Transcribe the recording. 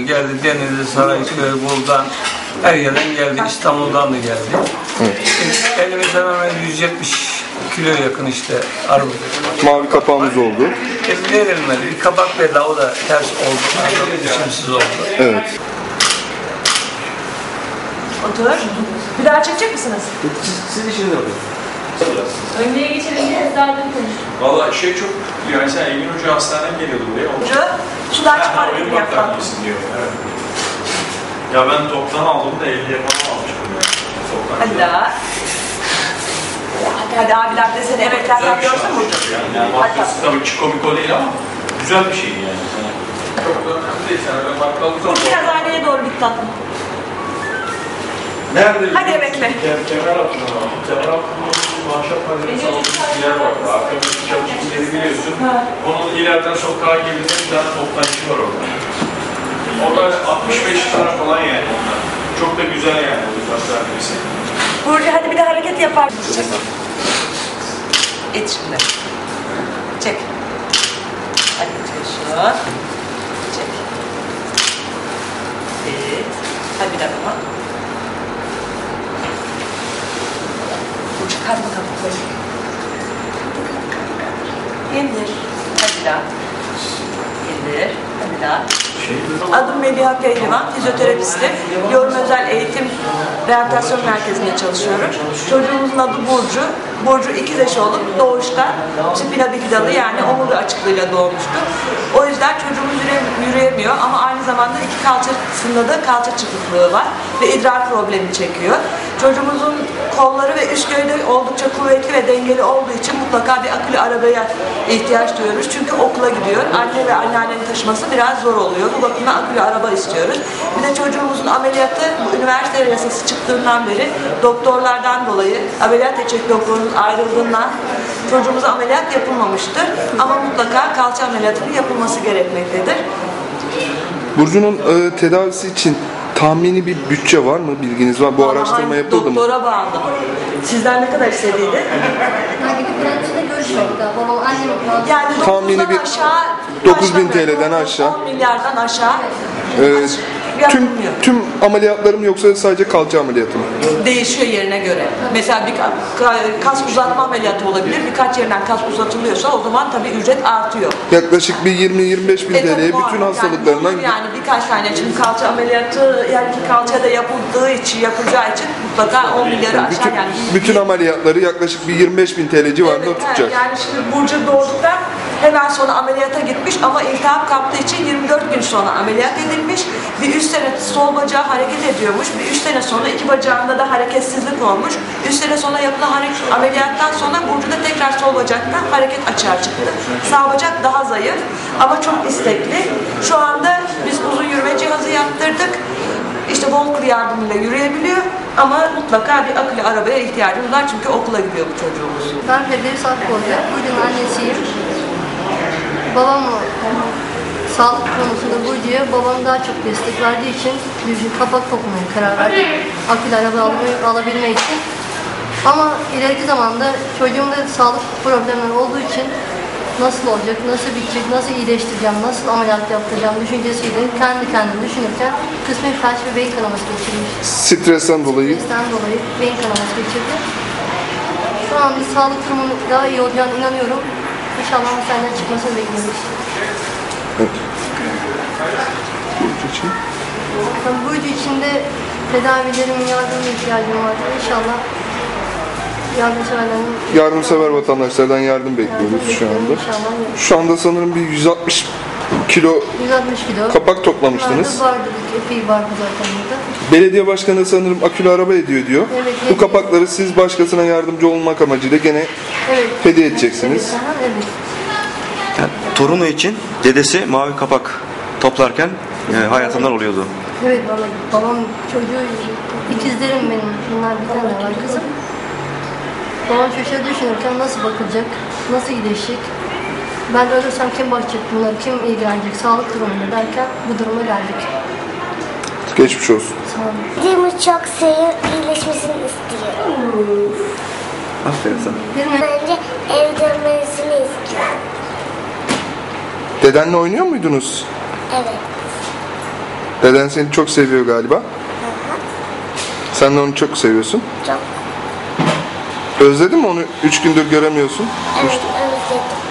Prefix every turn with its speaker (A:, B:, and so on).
A: Geldi Denizli, Sarayköy, buradan her yerden geldi, İstanbul'dan da geldi. Elimizde hemen 170 kilo yakın işte armut.
B: Mavi kapağımız oldu.
A: Verilmedi, bir kabak verdi, o da ters oldu, biçimsiz oldu.
B: Evet.
C: Otur. Bir daha çekecek misiniz?
D: Siz işinizi yapın.
C: Önlüğe geçelim, kızlardan konuş.
D: Valla çok yani sen Engin Hoca hastaneden geliyordu buraya.
C: Hoca, sudan çıkar gibi yapalım.
D: Diyor. Evet. Ya ben toptan aldım da 50'ye falan almıştım yani.
C: Hadi daha. Hadi abiler de seni emeklerden görsün mü?
D: Yani bakıyorsun tabii ki komik değil ama güzel bir şeydi yani. Çok da önemli değil. Sen öyle bakkalım.
C: Biraz aileye doğru git tatlım.
D: Nerede?
C: Hadi emekle.
D: Kemer altında var. Kemer altında bir ahşap paneli salonunda bir yer var. Arkamızda çalışma yeri biliyorsun. Onun ileriden sokağa girdiğinde bir tane toptancı var orada. O da 65 tane falan yani onlar. Çok da güzel yani bu hastanesi.
C: Burcu hadi bir de hareket yapar. Çek. İt şimdi. Çek. Hadi çek. Çek. İt. Hadi bir daha bak. Burcu hadi bakalım. İndir. Hadi bir daha. İndir. Hadi bir daha. Adım Mediha Pehlivan, fizyoterapistim. Yorum Özel Eğitim Rehabilitasyon Merkezi'nde çalışıyorum. Çocuğumuzun adı Burcu. Burcu ikiz eşi olup doğuşta spina bifida yani omurga açıklığıyla doğmuştu. O yüzden çocuğumuz yürüyemiyor ama aynı zamanda iki kalçasında da kalça çıkıklığı var ve idrar problemi çekiyor. Çocuğumuzun kolları ve üst gövde oldukça kuvvetli ve dengeli olduğu için mutlaka bir akülü arabaya ihtiyaç duyuyoruz. Çünkü okula gidiyor. Anne ve anneannenin taşıması biraz zor oluyor. Bu bakımdan akülü araba istiyoruz. Bir de çocuğumuzun ameliyatı üniversite yasası çıktığından beri doktorlardan dolayı ameliyat edecek doktorumuz ayrıldığından çocuğumuza ameliyat yapılmamıştır. Ama mutlaka kalça ameliyatının yapılması gerekmektedir.
B: Burcu'nun tedavisi için tahmini bir bütçe var mı? Bilginiz var. Bu araştırma yapıldı mı?
C: Doktora bağlı. Sizler ne kadar istediydi? Yani
B: tahmini bir
C: aşağı
B: 9.000 TL'den aşağı.
C: 10 milyardan aşağı.
B: Tüm ameliyatlarım yoksa sadece kalça ameliyatı mı?
C: Değişiyor yerine göre. Mesela bir kas uzatma ameliyatı olabilir. Birkaç yerinden kas uzatılıyorsa o zaman tabii ücret artıyor.
B: Yaklaşık bir 20-25 bin TL'ye bütün hastalıklarından...
C: Yani birkaç tane şimdi kalça ameliyatı yani kalçada yapılacağı için mutlaka 10 milyarı aşağı yani.
B: Bütün ameliyatları yaklaşık bir 25 bin TL civarında tutacak.
C: Yani şimdi Burcu doğduktan hemen sonra ameliyata gitmiş ama iltihap kaptığı için 24 gün sonra ameliyat edilmiş. Bir 3 sene sol bacağı hareket ediyormuş. Bir 3 sene sonra iki bacağında da hareketsizlik olmuş. 3 sene sonra yapılan ameliyattan sonra Burcu'da tekrar sol bacakta hareket açığa çıktı. Sağ bacak daha zayıf ama çok istekli. Şu anda biz uzun yürüme cihazı yaptırdık. İşte walker yardımıyla yürüyebiliyor ama mutlaka bir akülü arabaya ihtiyacımız var çünkü okula gidiyor bu çocuğumuz.
E: Ben Firdevs Akbolca, Burcu'nun annesiyim. Babam sağlık konusunda Burcu'ya babam daha çok destek verdiği için bir kapak sokmaya karar verdik. Akülü araba alabilmek için. Ama ileriki zamanda çocuğumda sağlık problemleri olduğu için nasıl olacak, nasıl bitecek, nasıl iyileştireceğim, nasıl ameliyat yaptıracağım düşüncesiyle kendi kendime düşünürken kısmi felç ve beyin kanaması geçirmiş.
B: Stresten dolayı
E: beyin kanaması geçirdi. Şu an bir sağlık durumunun daha iyi olacağına inanıyorum. İnşallah hastaneden çıkmasını bekliyoruz.
B: Evet. Burcu için?
E: Burcu için de tedavilerimin yardımına ihtiyacım var. İnşallah
B: yardımsever vatandaşlardan yardım bekliyoruz şu anda. Şu anda sanırım bir 160 kilo kapak toplamıştınız.
E: Vardı, epey vardı zaten burada.
B: Belediye başkanı sanırım akülü araba ediyor diyor.
E: Evet,
B: bu kapakları siz başkasına yardımcı olmak amacıyla gene hediye edeceksiniz.
E: Evet.
F: Yani, torunu için dedesi mavi kapak toplarken hayatından oluyordu.
E: Evet vallahi babam çocuğu ikizlerim benim. Bunlar bir tane var kızım. Babam çocuğa düşünürken nasıl bakılacak, nasıl iyileşecek, ben ölürsem kim bakacak bunlar, kim ilgilenecek, sağlık durumunda derken bu duruma geldik.
B: Geçmiş olsun.
E: Sağ olun.
G: Dediğimi çok sevip iyileşmesini istiyorum.
F: Aferin sana.
G: Bence ev dönmesini istiyorum.
B: Dedenle oynuyor muydunuz?
G: Evet.
B: Deden seni çok seviyor galiba. Sen de onu çok seviyorsun.
G: Çok.
B: Özledin mi onu? 3 gündür göremiyorsun.
G: Evet, özledim.